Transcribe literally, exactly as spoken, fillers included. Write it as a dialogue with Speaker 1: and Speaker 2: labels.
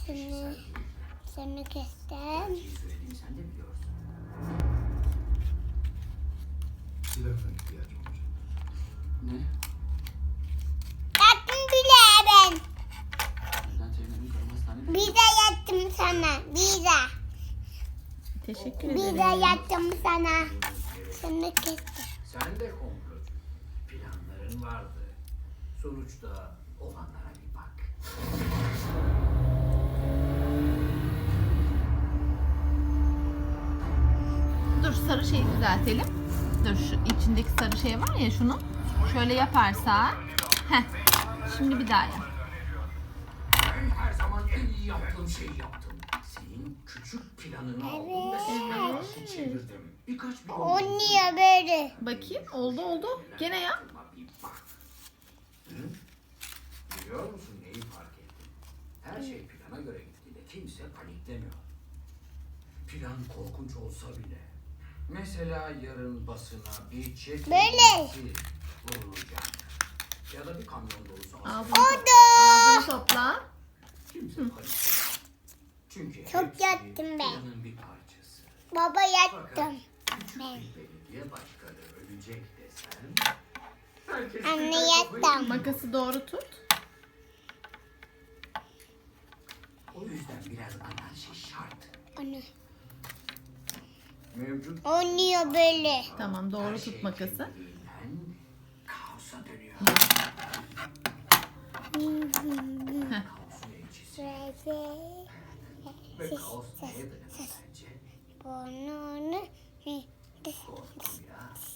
Speaker 1: Seni, seni kestim.
Speaker 2: Gerçeği söylediğimi sen de biliyorsun.
Speaker 3: Silahına ihtiyacım olacak.
Speaker 2: Ne?
Speaker 1: Yattım bile ben.
Speaker 2: Neden Ceylan'ın karım hastanede?
Speaker 1: Bize yattım sana. Bize.
Speaker 4: Teşekkür
Speaker 1: Bize
Speaker 4: ederim.
Speaker 1: yattım sana. Seni kestim.
Speaker 2: Sen de komplocu. Planların vardı. Sonuçta olanlara bir bak.
Speaker 4: Dur sarı şeyi düzeltelim. Dur şu içindeki sarı şey var ya şunu. Şöyle yaparsa. Heh. Şimdi bir daha yap.
Speaker 2: Ben her zaman en iyi yaptığım şeyi yaptım. Senin küçük planını aldım ve sana karşı çevirdim. Birkaç bir
Speaker 1: O niye böyle?
Speaker 4: Bakayım oldu oldu. Gene yap.
Speaker 2: Bir bak. Hı? Biliyor musun neyi fark ettim? Her şey plana göre gittiğinde kimse paniklemiyor. Plan korkunç olsa bile. Mesela yarın basına bir çek
Speaker 1: Böyle.
Speaker 2: vurulacak. Ya da bir kamyon dolusu
Speaker 4: Ağzını,
Speaker 2: asker.
Speaker 4: topla. Ağzını topla.
Speaker 2: Kimse paniklemez. Çünkü
Speaker 1: Çok
Speaker 2: hepsi
Speaker 1: yattım ben.
Speaker 2: planın bir parçası.
Speaker 1: Baba yattım.
Speaker 2: Fakat küçük bir belediye başkanı ölecek desen... herkes
Speaker 1: Anne
Speaker 2: birden kafayı
Speaker 1: yattım.
Speaker 2: yiyor.
Speaker 4: Makası doğru tut.
Speaker 2: O yüzden biraz anarşi şart.
Speaker 1: Onu.
Speaker 2: Mevcut
Speaker 1: O niye böyle?
Speaker 4: Tamam doğru
Speaker 2: her şey
Speaker 4: tut makası.
Speaker 2: kendiliğinden kaosa dönüyor. Kaosun elçisi. Ve kaos neye dayanır sence?
Speaker 1: Burnunu
Speaker 2: Korkun biraz.